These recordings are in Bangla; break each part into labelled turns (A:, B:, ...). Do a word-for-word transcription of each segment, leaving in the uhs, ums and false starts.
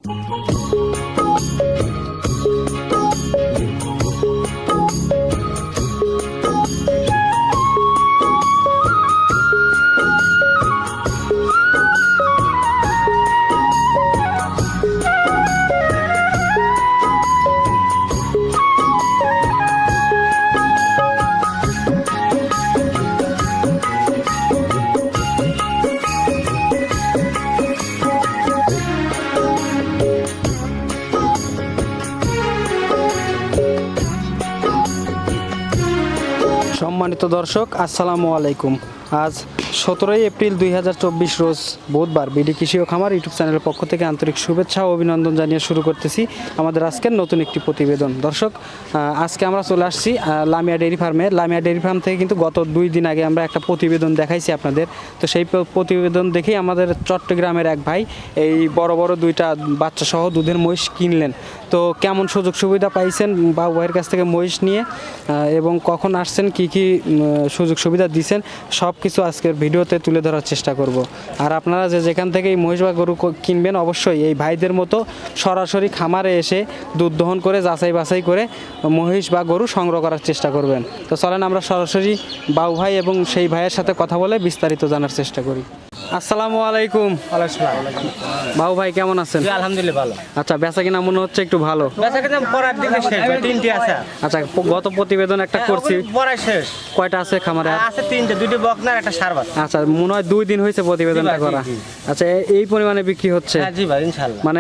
A: সম্মানিত দর্শক, আসসালামু আলাইকুম। আজ সতেরোই এপ্রিল দুই হাজার চব্বিশ রোজ বুধবার বিডি কৃষি ও খামার ইউটিউব চ্যানেলের পক্ষ থেকে আন্তরিক শুভেচ্ছা ও অভিনন্দন জানিয়ে শুরু করতেছি আমাদের আজকের নতুন একটি প্রতিবেদন। দর্শক, আজকে আমরা চলে আসছি লামিয়া ডেইরি ফার্মে। লামিয়া ডেইরি ফার্ম থেকে কিন্তু গত দুই দিন আগে আমরা একটা প্রতিবেদন দেখাইছি আপনাদের। তো সেই প্রতিবেদন দেখেই আমাদের চট্টগ্রামের এক ভাই এই বড় বড় দুইটা বাচ্চা সহ দুধের মহিষ কিনলেন। তো কেমন সুযোগ সুবিধা পাইছেন বা ভাইয়ের কাছ থেকে মহিষ নিয়ে এবং কখন আসছেন, কি কি সুযোগ সুবিধা দিচ্ছেন, সব কিছু আজকের ভিডিওতে তুলে ধরার চেষ্টা করব। আর আপনারা যে যেখান থেকে এই মহিষ বা গরু কিনবেন, অবশ্যই এই ভাইদের মতো সরাসরি খামারে এসে দুধ দহন করে যাচাই বাছাই করে মহিষ বা গরু সংগ্রহ করার চেষ্টা করবেন। তো চলেন আমরা সরাসরি বাউ ভাই এবং সেই ভাইয়ের সাথে কথা বলে বিস্তারিত জানার চেষ্টা করি। আসসালামু আলাইকুম। বাউ ভাই কেমন আছেন?
B: আলহামদুলিল্লাহ ভালো।
A: আচ্ছা, বেচা কিনা মনে হচ্ছে একটু ভালো।
B: বেচা কিনা পড়ার দিকে শেষ, তিনটি আছে।
A: আচ্ছা, গত প্রতিবেদন একটা করছি,
B: পড়া শেষ।
A: কয়টা আছে খামারে?
B: আছে তিনটে, দুটি বকনার একটা সারবাত।
A: আচ্ছা, মনে হয় দুই দিন হয়েছে প্রতিবেদনটা করা। আচ্ছা, এই পরিমাণে বিক্রি হচ্ছে?
B: হ্যাঁ জি ভাই, ইনশাআল্লাহ।
A: মানে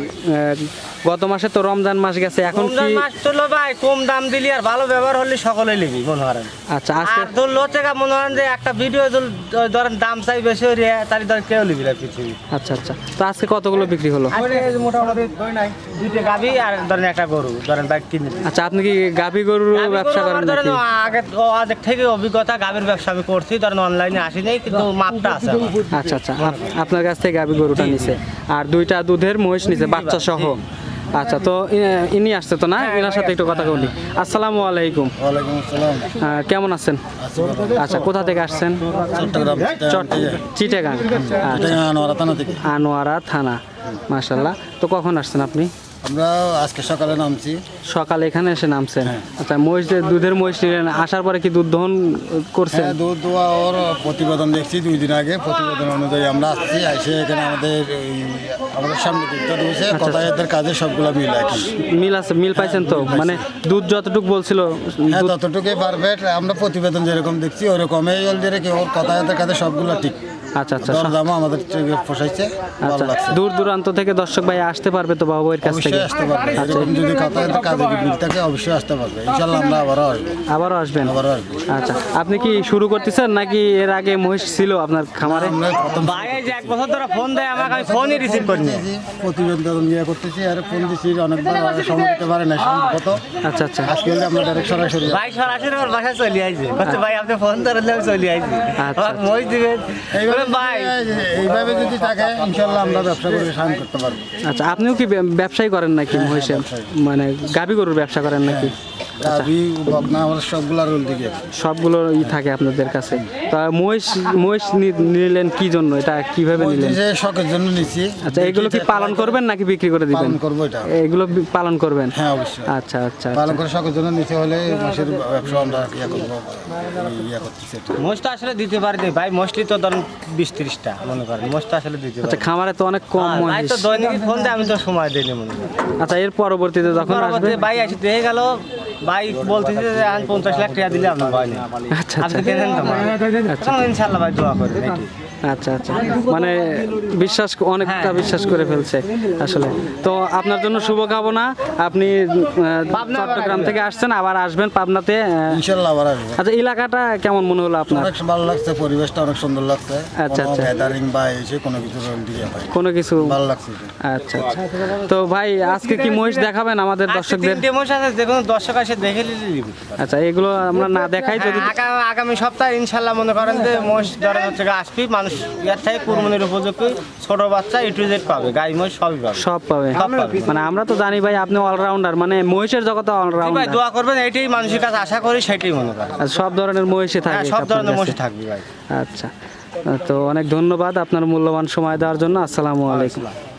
A: গত মাসে তো রমজান মাস গেছে, এখন কি
B: মাস চলো ভাই, কম দাম দিলি আর ভালো ব্যবহার হলে সকলে নিবি মনে করেন।
A: আচ্ছা, আজকে
B: আর তোর লোচে মনে করেন যে একটা ভিডিও ধরেন দাম চাই বেশি হয়ে তাহলে ধর কেউ নিবি না পৃথিবী।
A: আচ্ছা আচ্ছা, তো আজকে কতগুলো বিক্রি হলো?
B: মোটামুটি দুইটা গাভী আর ধরেন একটা গরু ধরেন ভাই কিনে।
A: আচ্ছা, আপনি কি গাভী গরুর ব্যবসা করেন নাকি?
B: আগে আগে থেকে অভিজ্ঞতা, গাভীর ব্যবসা আমি করছি, ধরেন অনলাইনে আসি নাই, কিন্তু মাপটা আছে।
A: আচ্ছা আচ্ছা, আপনার কাছ থেকে গাভী গরুটা নিছে আর দুইটা দুধের মহিষ নিছে বাচ্চা সহ। আচ্ছা, তো ইনি আসছে তো না, এনার সাথে একটু কথা বলি। আসসালামু আলাইকুম।
C: ওয়ালাইকুম আসসালাম।
A: কেমন আছেন? আচ্ছা, কোথা থেকে আসছেন?
C: চট্টগ্রাম
A: চিটাগাং।
C: আনোয়ারা থানা থেকে।
A: আনোয়ারা থানা, মাশাআল্লাহ। তো কখন আসছেন আপনি?
C: আমরা আজকে সকালে নামছি।
A: সকালে এখানে এসে নামছেন? আচ্ছা, মহিষ দুধের মহিষ নিলেন, আসার পরে কি দুধ দহন করছেন?
C: হ্যাঁ, দুধ দোয়া ওর প্রতিবেদন দেখছি দুই দিন আগে। প্রতিবেদন অনুযায়ী আমরা আসছি, এসে এখানে আমাদের এই আমাদের সামনে দুধটা রয়েছে, কথায়তের কাজে সবগুলো মিল একই।
A: মিল আছে? মিল পাইছেন তো? মানে দুধ যতটুকু বলছিল
C: হ্যাঁ ততটুকুই পারফেক্ট। আমরা প্রতিবেদন যেরকম দেখছি ওরকমই জলদি রেখে ওর কথায়তের কাজে সবগুলো ঠিক।
A: আচ্ছা আচ্ছা,
C: দামও আমাদের পোষাইছে, ভালো লাগছে।
A: দূর দূরান্ত থেকে দর্শক ভাই আসতে পারবে তো বাবু এর কাছ থেকে?
C: অবশ্যই আসতে পারবে, এরকম যদি কথায়তের কাজে মিল থাকে অবশ্যই আসতে পারবে। ইনশাআল্লাহ আমরা আবারও আসবো।
A: আবারও আসবেন?
C: আবারও আসবো।
A: আচ্ছা, আপনি কি শুরু করতেছেন নাকি এর আগে মহিষ ছিল আপনার খামারে?
C: আমরা প্রথম
B: ভাই যে এক বছর ধরে ফোন দেয় আমাকে, আমি ফোনই রিসিভ করি না।
C: প্রতিবেদন নিয়ে করতেছি আর ফোন দিছি অনেকবার, সময় দিতে পারে না সম্ভবত।
A: আচ্ছা আচ্ছা,
C: আজকে আমরা ডাইরেক্ট সরাসরি
B: ভাই সরাসরি ওর বাসায় চলে আইছে, বলছে ভাই আপনি ফোন ধরলে আমি চলে আইছি,
A: আচ্ছা,
B: আমাকে মই দিবেন।
C: এইভাবে
B: ভাই
C: এইভাবে যদি থাকে ইনশাআল্লাহ আমরা ব্যবসা করে সাহায্য করতে পারবো।
A: আচ্ছা, আপনিও কি ব্যবসায়ী করেন নাকি মহিষের? মানে গাভী গরুর ব্যবসা করেন নাকি?
C: গাভী বকনা আমাদের সবগুলা রোল দিকে
A: সবগুলো ই থাকে আপনাদের কাছে। তা মহিষ মহিষ নিলেন কি জন্য, এটা কিভাবে নিলেন?
C: শখের জন্য নিছি।
A: আচ্ছা, এগুলো কি পালন করবেন নাকি বিক্রি করে দিবেন?
C: পালন করবো এটা।
A: এগুলো পালন করবেন?
C: হ্যাঁ অবশ্যই।
A: আচ্ছা আচ্ছা,
C: পালন করে শখের জন্য নিতে হলে মাসের ব্যবসা আমরা ইয়ে করবো, ইয়ে করতেছি।
B: মোষটা আসলে দিতে পারি না ভাই, মোষলি তো ধরুন বিশ ত্রিশটা মনে করেন, মোষটা আসলে দিতে পারি।
A: আচ্ছা, খামারে তো অনেক কম
B: ভাই
A: মহিষ।
B: তো দৈনিক ফোন দেয়, আমি তো সময় দিই না মনে করেন।
A: আচ্ছা, এর পরবর্তীতে যখন আসবে
B: ভাই এসে দেখে গেল, ভাই বলতেছে যে আমি পঞ্চাশ লাখ টাকা দিলে আপনার ভয় নেই।
A: আচ্ছা
B: আপনি
A: আচ্ছা
B: কেনেন তো ভাই? তখন ইনশাআল্লাহ ভাই দোয়া করে নাকি।
A: আচ্ছা আচ্ছা, মানে বিশ্বাস অনেকটা বিশ্বাস করে ফেলছে আসলে। তো আপনার জন্য শুভকামনা। আপনি চট্টগ্রাম থেকে আসছেন, আবার আসবেন পাবনাতে
C: ইনশাআল্লাহ আবার আসবো।
A: আচ্ছা, এলাকাটা কেমন মনে হলো আপনার?
C: অনেক ভালো লাগছে, পরিবেশটা অনেক সুন্দর লাগছে।
A: আচ্ছা আচ্ছা,
C: গ্যাদারিং বা এসে কোনো কিছু দিয়ে ভাই
A: কোনো কিছু
C: ভালো লাগছে।
A: আচ্ছা আচ্ছা, তো ভাই আজকে কি মহিষ দেখাবেন আমাদের দর্শকদের?
B: তিনটে মোষ আছে, যে কোনো দর্শক আসে দেখে নিবি।
A: আচ্ছা, এগুলো আমরা না দেখাই যদি
B: আগামী আগামী সপ্তাহে ইনশাআল্লাহ মনে করেন যে মোষ ধরেন হচ্ছে আসবি, মানুষ ইয়ার থেকে কুরবানির উপযোগী ছোট বাচ্চা এ টু জেড পাবে, গাই মহিষ সবই পাবে।
A: সব পাবে? মানে আমরা তো জানি ভাই আপনি অলরাউন্ডার, মানে মহিষের জগতে
B: ভাই
A: অলরাউন্ডার।
B: দোয়া করবেন, এইটাই মানুষের কাছে আশা করি, সেটাই মনে করেন।
A: সব ধরনের মহিষে থাকে?
B: হ্যাঁ, সব ধরনের মোষ থাকবে ভাই।
A: আচ্ছা, তো অনেক ধন্যবাদ আপনার মূল্যবান সময় দেওয়ার জন্য। আসসালামু আলাইকুম।